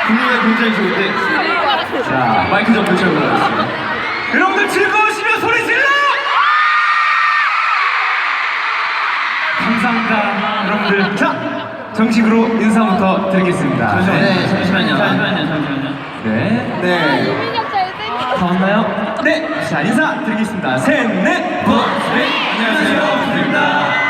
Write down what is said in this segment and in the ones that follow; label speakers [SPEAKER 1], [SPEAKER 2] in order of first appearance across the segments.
[SPEAKER 1] 분위기가 굉장히 좋은데. 자, 마이크 좀 붙여보겠습니다. 여러분들 즐거우시면 소리 질러! 감사합니다, 여러분들. 자, 정식으로 인사부터 드리겠습니다.
[SPEAKER 2] 잠시만요.
[SPEAKER 1] 네.
[SPEAKER 3] 이민혁 잘생겼어.
[SPEAKER 1] 다 왔나요? 네. 자, 인사 드리겠습니다. 셋, 넷, 안녕하세요. 부입니다.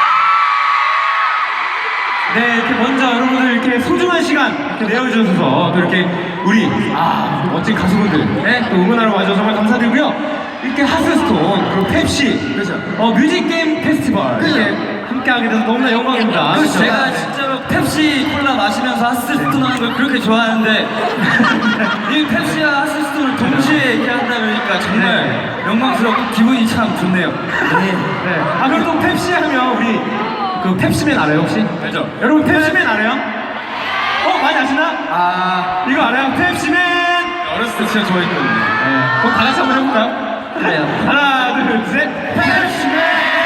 [SPEAKER 1] 네, 이렇게 먼저 여러분들 이렇게 소중한 시간 이렇게 내어주셔서 또 이렇게 우리 멋진 가수분들 또 응원하러 와주셔서 정말 감사드리고요. 이렇게 하스스톤 그리고 펩시 그렇죠. 뮤직 게임 페스티벌 이렇게 함께하게 돼서 너무나 영광입니다.
[SPEAKER 2] 그렇죠.
[SPEAKER 1] 그렇죠?
[SPEAKER 2] 제가 진짜로 펩시 콜라 마시면서 하스스톤 하는 걸 그렇게 좋아하는데 이 펩시와 하스스톤을 동시에 이렇게 한다 보니까 정말 영광스럽고 기분이 참 좋네요.
[SPEAKER 1] 네. 그리고 또 펩시 하면 우리 그 펩시맨 알아요 혹시?
[SPEAKER 2] 알죠.
[SPEAKER 1] 여러분 펩시맨 알아요? 많이 아시나? 이거 알아요? 펩시맨!
[SPEAKER 2] 어렸을 때 진짜 좋아했거든요.
[SPEAKER 1] 네. 그럼 다 같이 한번 해볼까요?
[SPEAKER 2] 그래요.
[SPEAKER 1] 하나, 둘, 셋! 펩시맨!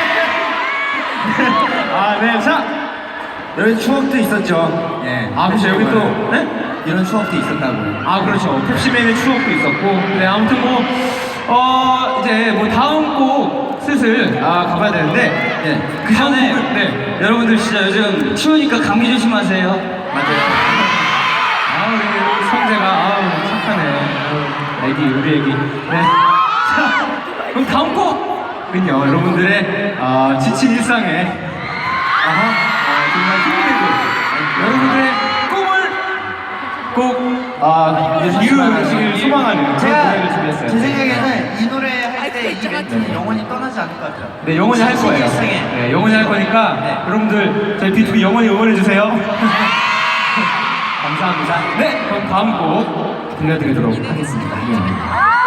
[SPEAKER 1] 네, 자!
[SPEAKER 4] 이런 추억도 있었죠.
[SPEAKER 1] 네. 그렇죠. 여기 또, 네?
[SPEAKER 4] 이런 추억도 있었다고요.
[SPEAKER 1] 그렇죠. 펩시맨의 추억도 있었고. 네, 아무튼 이제 다음 곡 슬슬 가봐야 되는데.
[SPEAKER 2] 그 전에
[SPEAKER 1] 네.
[SPEAKER 2] 여러분들 진짜 요즘 추우니까 감기 조심하세요.
[SPEAKER 4] 맞아요.
[SPEAKER 1] 우리 성재가, 착하네. 애기, 우리 애기. 네. 자, 그럼 다음 곡은요, 여러분들의, 지친 일상에, 정말 힘이 되고, 여러분들의 꿈을 이루시길 소망하는 그런 노래를 준비했어요.
[SPEAKER 4] 제 생각에는 이 노래 할 때 이 멘트는 영원히 떠나지 않을 것 같아요.
[SPEAKER 1] 네, 영원히 할 거예요.
[SPEAKER 4] 일생에.
[SPEAKER 1] 네, 영원히 할 거니까, 여러분들, 저희 B2B 영원히 응원해주세요. 감사합니다. 네, 그럼 다음 곡 들려드리도록 하겠습니다.